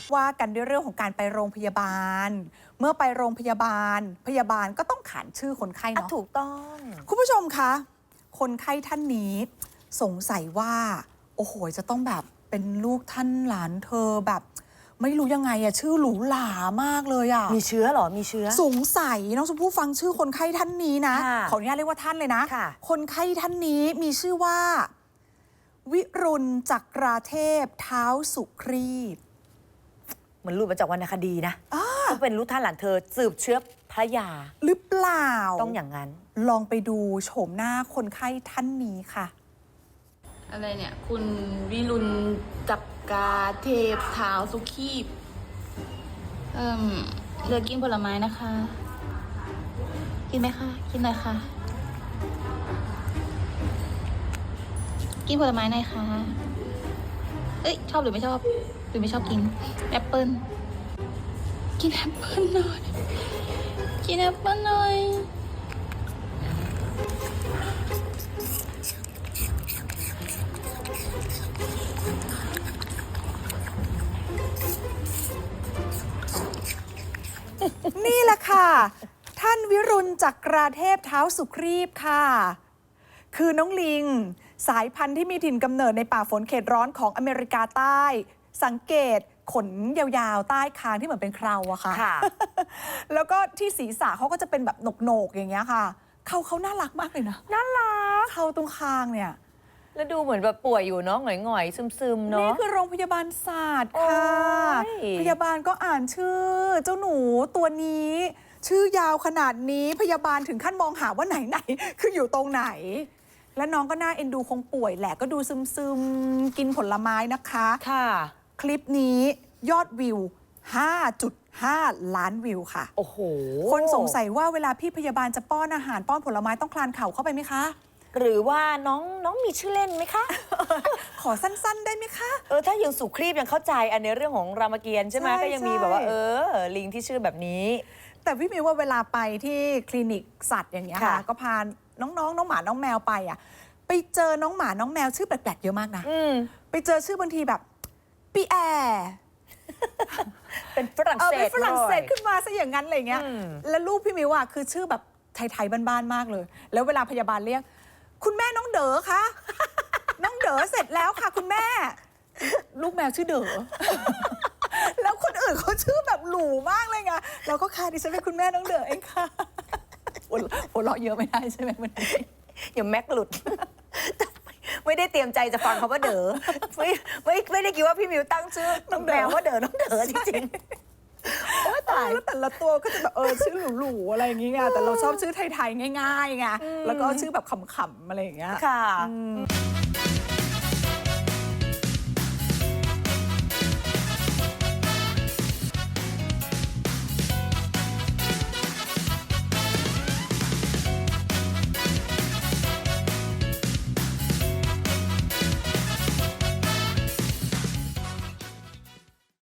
ว่ากันด้วยเรื่องของการไปโรงพยาบาล เมื่อไปโรงพยาบาลพยาบาลก็ต้องขานชื่อคนไข้เนาะถูกต้องคุณผู้ชมคะคนไข้ท่านนี้สงสัยว่าโอ้โหจะต้องแบบเป็นลูกท่านหลานเธอแบบไม่รู้ยังไงอะชื่อหรูหรามากเลยอะมีเชื้อเหรอมีเชื้อสงสัยน้องชมพู่ฟังชื่อคนไข้ท่านนี้นะขออนุญาตเรียกว่าท่านเลยนะคนไข้ท่านนี้มีชื่อว่าวิรุณจักราเทพเท้าสุครีพเหมือนรูปมาจากวรรณคดีนะก็เป็นลูกท่านหลานเธอสืบเชื้อพระยาหรือเปล่าต้องอย่างนั้นลองไปดูโฉมหน้าคนไข้ท่านนี้ค่ะอะไรเนี่ยคุณวิรุณจักราเทพเท้าสุขีพเลือกกินผลไม้นะคะ กินไหมคะกินหน่อยค่ะกินผลไม้หน่อยค่ะเอ้ยชอบหรือไม่ชอบหรือไม่ชอบกินแอปเปิ้ลกินแอปเปิ้ลหน่อยกินแอปเปิ้ลหน่อยนี่แหละค่ะท่านวิรุณจักราเทพเท้าสุครีพค่ะคือน้องลิงสายพันธุ์ที่มีถิ่นกำเนิดในป่าฝนเขตร้อนของอเมริกาใต้สังเกตขนยาวๆใต้คางที่เหมือนเป็นเคราอะค่ะ แล้วก็ที่ศีรษะเขาก็จะเป็นแบบโหนกๆอย่างเงี้ยค่ะเขาน่ารักมากเลยนะน่ารักเขาตรงคางเนี่ยแล้วดูเหมือนแบบป่วยอยู่เนาะหงอยๆซึมๆเนาะนี่คือโรงพยาบาลศาสตร์ค่ะพยาบาลก็อ่านชื่อเจ้าหนูตัวนี้ชื่อยาวขนาดนี้พยาบาลถึงขั้นมองหาว่าไหนคืออยู่ตรงไหนและน้องก็น่าเอ็นดูคงป่วยแหละก็ดูซึมๆกินผลไม้นะคะค่ะคลิปนี้ยอดวิว 5.5 ล้านวิวค่ะโอ้โหคนสงสัยว่าเวลาพี่พยาบาลจะป้อนอาหารป้อนผลไม้ต้องคลานเข่าเข้าไปไหมคะหรือว่าน้องมีชื่อเล่นไหมคะขอสั้นๆได้ไหมคะถ้ายังสุครีพยังเข้าใจอันในเรื่องของรามเกียรติ์ใช่ไหมก็ยังมีแบบว่าลิงที่ชื่อแบบนี้แต่พี่มิวว่าเวลาไปที่คลินิกสัตว์อย่างเงี้ยค่ะก็พาน้องหมาน้องแมวไปอ่ะไปเจอน้องหมาน้องแมวชื่อแปลกๆเยอะมากนะไปเจอชื่อบางทีแบบปีแอร์เป็นฝรั่งเศสเป็นฝรั่งเศสขึ้นมาซะอย่างนั้นอะไรเงี้ยแล้วลูกพี่มิวอ่ะคือชื่อแบบไทยๆบ้านๆมากเลยแล้วเวลาพยาบาลเรียกคุณแม่น้องเด๋อคะน้องเด๋อเสร็จแล้วค่ะคุณแม่ลูกแมวชื่อเด๋อแล้วคนอื่นเขาชื่อแบบหรูมากเลยไงเราก็ค่ะดิฉันเป็นคุณแม่น้องเด๋อเองค่ะหัวเราะเยอะไม่ได้ใช่ไหมวันนี้อย่าแม็กหลุดไม่ได้เตรียมใจจะฟังคำว่าเด๋อไม่ได้คิดว่าพี่มิวตั้งชื่อน้องแมวว่าเด๋อน้องเด๋อจริงโอ้ตายแล้วแต่ละตัวก็จะแบบชื่อหรูๆอะไรอย่างเงี้ยแต่เราชอบชื่อไทยๆง่ายๆไงแล้วก็ชื่อแบบขำๆอะไรอย่างเงี้ยค่ะ